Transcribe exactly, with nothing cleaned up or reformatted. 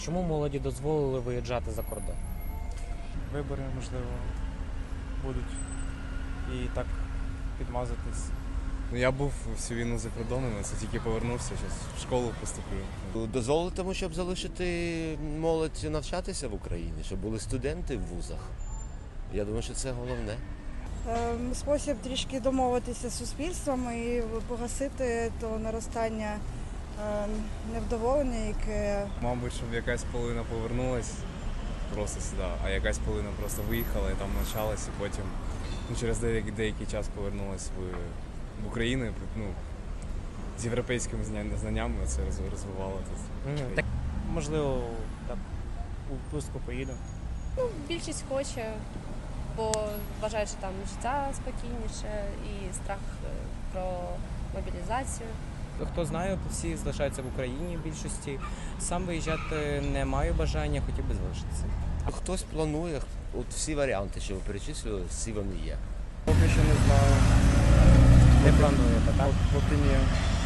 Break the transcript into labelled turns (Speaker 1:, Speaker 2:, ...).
Speaker 1: Чому молоді дозволили виїжджати за кордон?
Speaker 2: Вибори, можливо, будуть і так підмазатись.
Speaker 3: Ну, я був всю війну за кордоном, це тільки повернувся, зараз в школу поступлю.
Speaker 4: Дозволити тому, щоб залишити молодь навчатися в Україні, щоб були студенти в вузах. Я думаю, що це головне.
Speaker 5: Ем, Спосіб трішки домовитися з суспільством і погасити то наростання ем, невдоволення, яке
Speaker 3: Мабуть, щоб якась половина повернулась просто сюди, а якась половина просто виїхала і там навчалась, і потім ну, через деякий, деякий час повернулась в, в Україну, ну, з європейськими зня- знаннями це роз- розвивало тут.
Speaker 1: Мгм. Так,
Speaker 2: Можливо, так у відпустку поїду.
Speaker 6: Ну, більшість хоче, бо вважають, що там життя спокійніше і страх е, про мобілізацію.
Speaker 7: Хто знає, всі залишаються в Україні в більшості. Сам виїжджати не маю бажання, хотів би залишитися.
Speaker 4: Хтось планує, от всі варіанти, що ви перечислили, всі вони є.
Speaker 2: Поки що не знаю.
Speaker 1: не плануєте, так?
Speaker 2: Поки ні.